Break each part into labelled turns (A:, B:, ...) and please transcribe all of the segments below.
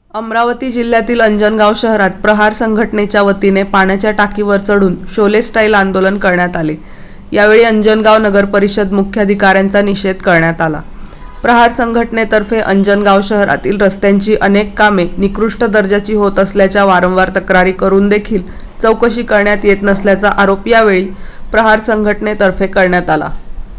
A: अमरावती जिल्ह्यातील अंजनगाव शहरात प्रहार संघटनेच्या वतीने पाण्याच्या टाकीवर चढून शोले स्टाईल आंदोलन करण्यात आले। यावेळी अंजनगाव नगर परिषद मुख्याधिकाऱ्यांचा निषेध करण्यात आला। प्रहार संघटनेतर्फे अंजनगाव शहरातील रस्त्यांची अनेक कामे निकृष्ट दर्जाची होत असल्याच्या वारंवार तक्रारी करून देखील चौकशी करण्यात येत नसल्याचा आरोप यावेळी प्रहार संघटनेतर्फे करण्यात आला।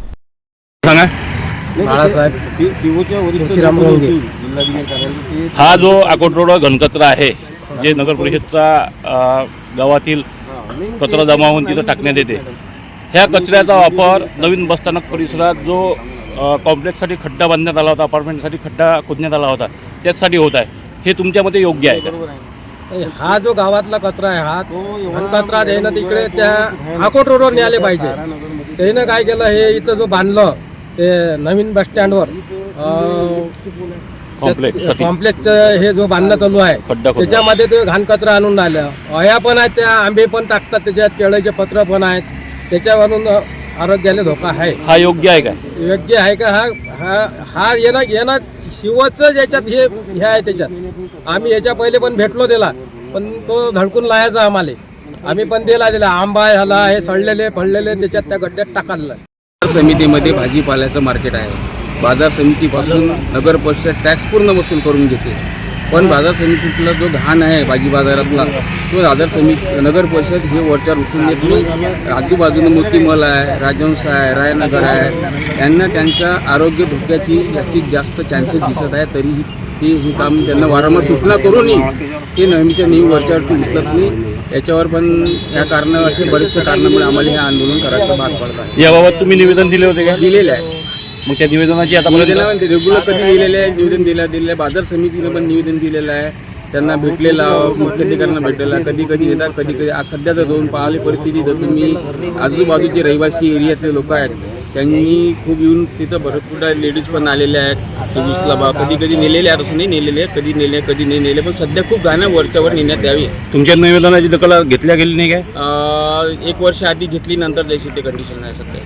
B: हा जो अकोट घनकचरा आहे, जे नगर परिषदचा गावातील कचरा जमा होऊन तिथं टाकण्यात येते, ह्या कचऱ्याचा वापर नवीन बसस्थानक परिसरात जो कॉम्प्लेक्ससाठी खड्डा बांधण्यात आला होता, अपार्टमेंटसाठी खड्डा खोदण्यात आला होता, त्याचसाठी होत आहे। हे तुमच्या मते योग्य आहे का?
C: हा जो गावातला कचरा आहे, हा घनकचरा त्यानं तिकडे त्या अकोट रोडवर न्यायला पाहिजे। त्यानं काय केलं, हे इथं जो बांधलं ते नवीन बस स्टँडवर कॉम्प्लेक्सचं हे जो बांधणं चालू आहे, त्याच्यामध्ये ते घाण कचरा आणून राहिलं। अया पण आहेत, त्या आंबे पण टाकतात, त्याच्यात केळीचे पत्र पण आहेत, त्याच्यावरून आरोग्याला धोका आहे।
B: हा योग्य आहे का?
C: योग्य आहे का? हा येणं शिवचं ज्याच्यात हे आहे, त्याच्यात आम्ही याच्या पहिले पण भेटलो त्याला, पण तो धडकून लायाचा आम्हाला, आम्ही पण दिला आंबा ह्याला हे सडलेले फळलेले त्याच्यात त्या गड्ड्यात टाकायला।
D: समितीमध्ये भाजीपाल्याचं मार्केट आहे। बाजार समितीपासून नगर परिषद टॅक्स पूर्ण वसूल करून घेते, पण बाजार समितीतला जो घाण आहे भाजी बाजारातला, तो बाजार समिती नगर परिषद हे वरच्यावर उचलून देत नाही। आजूबाजूने मोतीमल आहे, राजहंस आहे, रायनगर आहे, यांना त्यांच्या आरोग्य धोक्याची जास्तीत जास्त चान्सेस दिसत आहे। तरीही हे काम त्यांना वारंवार सूचना करूनही ते नेहमीच्या नेहमी वरच्यावरती उचलत नाही। याच्यावर पण या कारण असे बरेचसे कारणामुळे आम्हाला हे आंदोलन करायचं भाग पडत आहे।
B: याबाबत तुम्ही निवेदन दिले होते का?
D: दिलेलं आहे।
B: मग त्या निवेदनाची आता
D: निवेदन रेग्युलर कधी दिलेलं आहे, निवेदन दिलेलं आहे। बाजार समितीनं पण निवेदन दिलेलं आहे, त्यांना भेटलेला, मुख्याधिकाऱ्यांना भेटलेला, कधी कधी येतात, कधी कधी आज सध्या तर जाऊन पाहिली परिस्थिती, तर तुम्ही आजूबाजूचे रहिवासी एरियातले लोक आहेत, त्यांनी खूप येऊन तिथं भरपूर लेडीज पण आलेल्या आहेत। उचला बा, कधी कधी नेलेले आहेत, असं नाही नेलेले, कधी नेले कधी नाही नेले, पण सध्या खूप घाणं वरच्यावर नेण्यात यावी।
B: तुमच्या निवेदनाची दखल घेतल्या गेली नाही काय?
D: 1 वर्ष आधी घेतली, नंतर द्यायची ते कंडिशन आहे सध्या।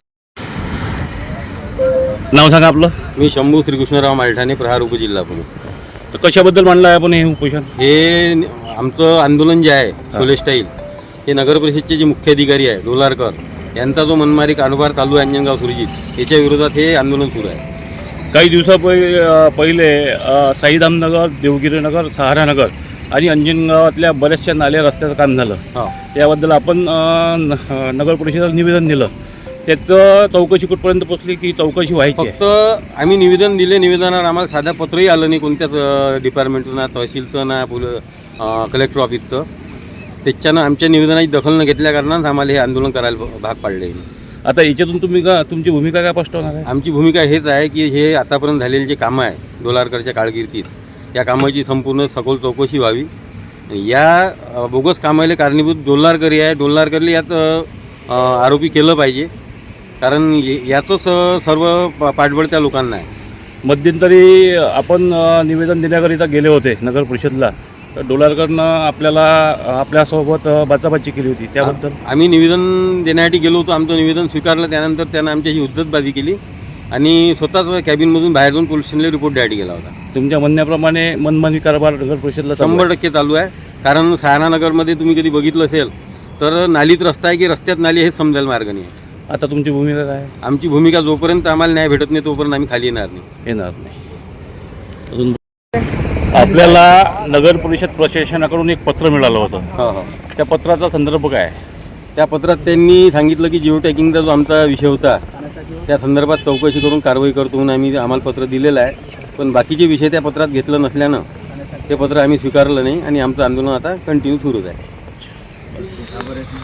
B: नाव सांगा आपलं?
E: मी शंभू श्रीकृष्णराव मालठाणे, प्रहार उपजिल्हा पुणे।
B: तर कशाबद्दल मांडलं आहे आपण हे उपोषण?
E: हे आमचं आंदोलन जे आहे शोले स्टाईल, हे नगर परिषदचे जे मुख्य अधिकारी आहे डोलारकर यांचा जो मनमारी कारभार चालू आहे अंजनगाव सुरजीत, याच्या विरोधात हे आंदोलन सुरू आहे।
B: काही पहिले साईधामनगर, देवगिरीनगर, सहारानगर आणि अंजनगावातल्या बऱ्याचशा नाल्या रस्त्याचं काम झालं। याबद्दल आपण नगर परिषदेला निवेदन दिलं, त्याचं चौकशी कुठपर्यंत पोहोचली की चौकशी व्हायची?
E: फक्त आम्ही निवेदन दिले, निवेदनावर आम्हाला साधा पत्रही आलं नाही कोणत्याच डिपार्टमेंटचं, ना तहसीलचं, ना कलेक्टर ऑफिसचं। त्याच्यानं आमच्या निवेदनाची दखल न घेतल्या कारणानं आम्हाला हे आंदोलन करायला भाग पाडले।
B: आता याच्यातून तुमची भूमिका काय स्पष्ट होणार आहे?
E: आमची भूमिका हेच आहे की हे आतापर्यंत झालेले जे कामं आहे डोलारकरच्या कारकिर्दीत, या कामाची संपूर्ण सखोल चौकशी व्हावी। या बोगस कामाला कारणीभूत डोलारकरी आहे, डोलारकरला यात आरोपी केलं पाहिजे, कारण याचंच सर्व पाठबळ त्या लोकांना आहे।
B: मध्यंतरी आपण निवेदन देण्याकरिता गेले होते नगर परिषदला, तर डोलारकरनं आपल्यासोबत बाचाबाची केली होती, त्याबद्दल?
E: आम्ही निवेदन देण्यासाठी गेलो होतो, आमचं निवेदन स्वीकारलं, त्यानंतर त्यानं आमच्याशी हुज्जतबाजी केली आणि स्वतःच कॅबिनमधून बाहेर जाऊन पोलीस स्टेशनला रिपोर्ट द्यायला गेला होता।
B: तुमच्या म्हणण्याप्रमाणे मनमानी कारभार नगर परिषदला
E: 100% चालू आहे। कारण सहारानगरमध्ये तुम्ही कधी बघितलं असेल तर नालीत रस्ता आहे की रस्त्यात नाली हेच समजायला मार्ग नाही आहे।
B: आता तुमची भूमिका काय आहे?
E: आमची भूमिका जोपर्यंत आम्हाला न्याय भेटत नाही तोपर्यंत आम्ही खाली येणार नाही।
B: अजून आपल्याला नगर परिषद प्रशासनाकडून एक पत्र मिळालं होतं, त्या पत्राचा संदर्भ काय आहे?
E: त्या पत्रात त्यांनी सांगितलं की जिओ टॅगिंगचा जो आमचा विषय होता त्या संदर्भात चौकशी करून कारवाई करतो म्हणून आम्हाला पत्र दिलेलं आहे, पण बाकीचे विषय त्या पत्रात घेतलं नसल्यानं ते पत्र आम्ही स्वीकारलं नाही आणि आमचं आंदोलन आता कंटिन्यू सुरूच आहे।